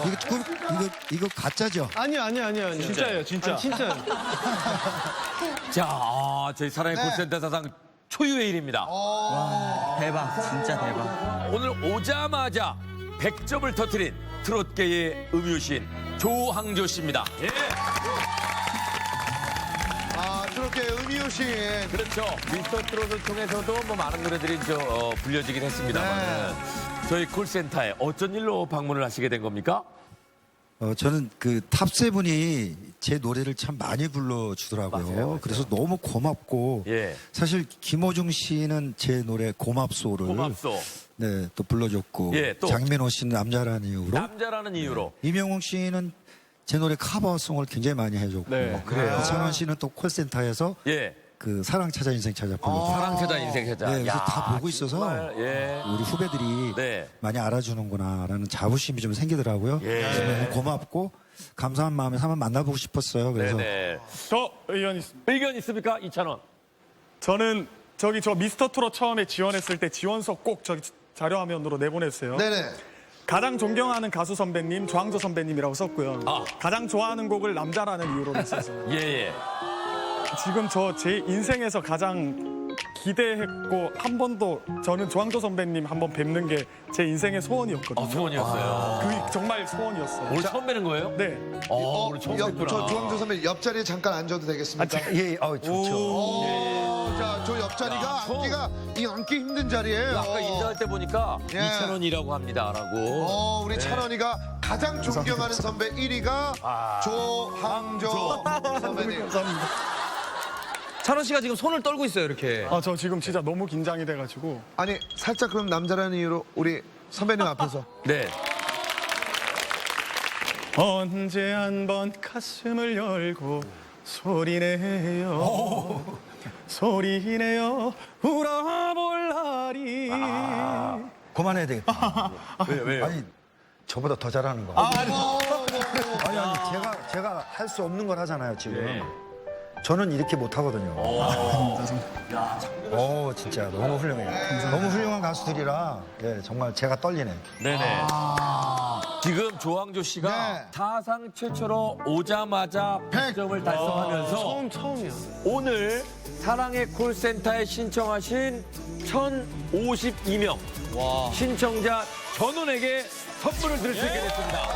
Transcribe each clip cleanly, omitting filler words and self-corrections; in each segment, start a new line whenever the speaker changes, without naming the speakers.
이거 가짜죠?
아니요.
진짜예요, 진짜.
진짜요.
자, 저희 사랑의
네.
콜센터 사상 초유의 일입니다.
대박, 진짜 대박.
오늘 오자마자 100점을 터뜨린 트롯계의 음유신 조항조 씨입니다. 예.
트롯계 음이오신.
그렇죠. 미스터 트롯을 통해서도 뭐 많은 노래들이 불려지긴 했습니다만 저희 콜센터에 어쩐 일로 방문을 하시게 된 겁니까?
저는 그 탑세븐이 제 노래를 참 많이 불러주더라고요.
맞아요.
그래서 너무 고맙고
예.
사실 김호중 씨는 제 노래 고맙소를
고맙소.
네, 또 불러줬고
예, 또.
장민호 씨는 남자라는 이유로
남자라는 이유로.
이명웅 씨는 제 노래 커버송을 굉장히 많이 해줬고
네.
그래요?
이찬원 씨는 또 콜센터에서
예.
그 사랑 찾아 인생 찾아 불렀고
사랑 찾아 인생 찾아.
네, 그래서
야,
다 보고 있어서
정말, 예.
우리 후배들이
네.
많이 알아주는구나라는 자부심이 좀 생기더라고요.
예.
그래서 너무 고맙고 감사한 마음에서 한번 만나보고 싶었어요. 그래서
네네.
저 의견 있습니다.
의견 있습니까? 이찬원.
저는 저 미스터 트롯 처음에 지원했을 때 지원서 꼭 저기 자료화면으로 내보냈어요.
네네.
가장 존경하는 가수 선배님, 조항조 선배님이라고 썼고요.
아.
가장 좋아하는 곡을 남자라는 이유로 했어요.
예.
지금 저 제 인생에서 가장 기대했고 한 번도 저는 조항조 선배님 한번 뵙는 게 제 인생의 소원이었거든요.
소원이었어요.
그 정말 소원이었어요.
오늘 처음 뵈는 거예요?
네.
오늘 처음 뵙구나.
저 조항조 선배 옆자리에 잠깐 앉아도 되겠습니까?
예, 좋죠.
자, 저 옆자리가 앉기가 앉기 힘든 자리예요.
아까 인사할 때 보니까
예.
이찬원이라고 합니다라고.
우리 찬원이가 가장 존경하는 선배 1위가 조항조 선배님.
찬원 씨가 지금 손을 떨고 있어요, 이렇게.
저 지금 진짜 너무 긴장이 돼가지고.
아니, 살짝 그럼 남자라는 이유로 우리 선배님 앞에서.
네.
언제 한번 가슴을 열고 소리내요 소리내요 울어볼 날이
그만해야 되겠다.
왜요?
아니 저보다 더 잘하는 거. 아니 제가 할 수 없는 걸 하잖아요 지금.
네.
저는 이렇게 못 하거든요. 진짜 너무 훌륭해요. 너무 훌륭한 가수들이라 정말 제가 떨리네.
네네. 지금 조항조 씨가
네.
사상 최초로 오자마자 100점을 달성하면서
처음이야.
오늘 사랑의 콜센터에 신청하신 1,052명 신청자 전원에게 선물을 드릴 수 있게 됐습니다.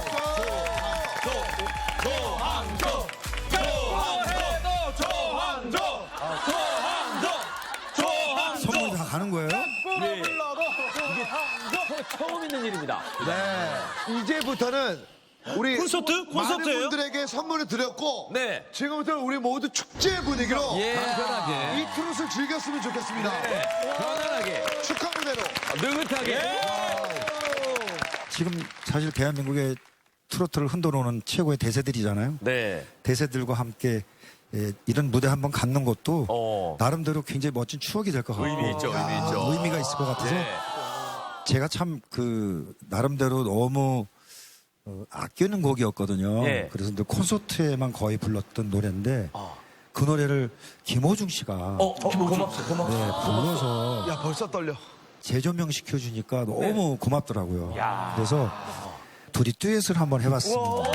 선물이 다 가는 거예요?
네. 이게 처음 있는 일입니다.
이제부터는 우리
콘서트예요?
많은 분들에게 선물을 드렸고
네.
지금부터 우리 모두 축제 분위기로
예, 편하게.
이 트롯을 즐겼으면 좋겠습니다.
편안하게,
축하 무대로.
느긋하게.
지금 사실 대한민국의 트로트를 흔들어오는 최고의 대세들이잖아요.
네.
대세들과 함께 이런 무대 한번 갖는 것도 나름대로 굉장히 멋진 추억이 될 것 같고
의미 있죠, 의미 있죠.
의미가 있을 것 같아서
네.
제가 참 그 나름대로 너무 아끼는 곡이었거든요.
예.
그래서 늘 콘서트에만 거의 불렀던 노래인데 그 노래를 김호중 씨가
고맙소.
네, 불러서
야, 벌써 떨려.
재조명 시켜주니까 너무
네.
고맙더라고요. 그래서 둘이 듀엣을 한번 해봤습니다.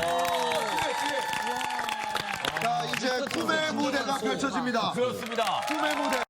자, 이제 꿈의 무대가 펼쳐집니다.
그렇습니다.
꿈의 무대.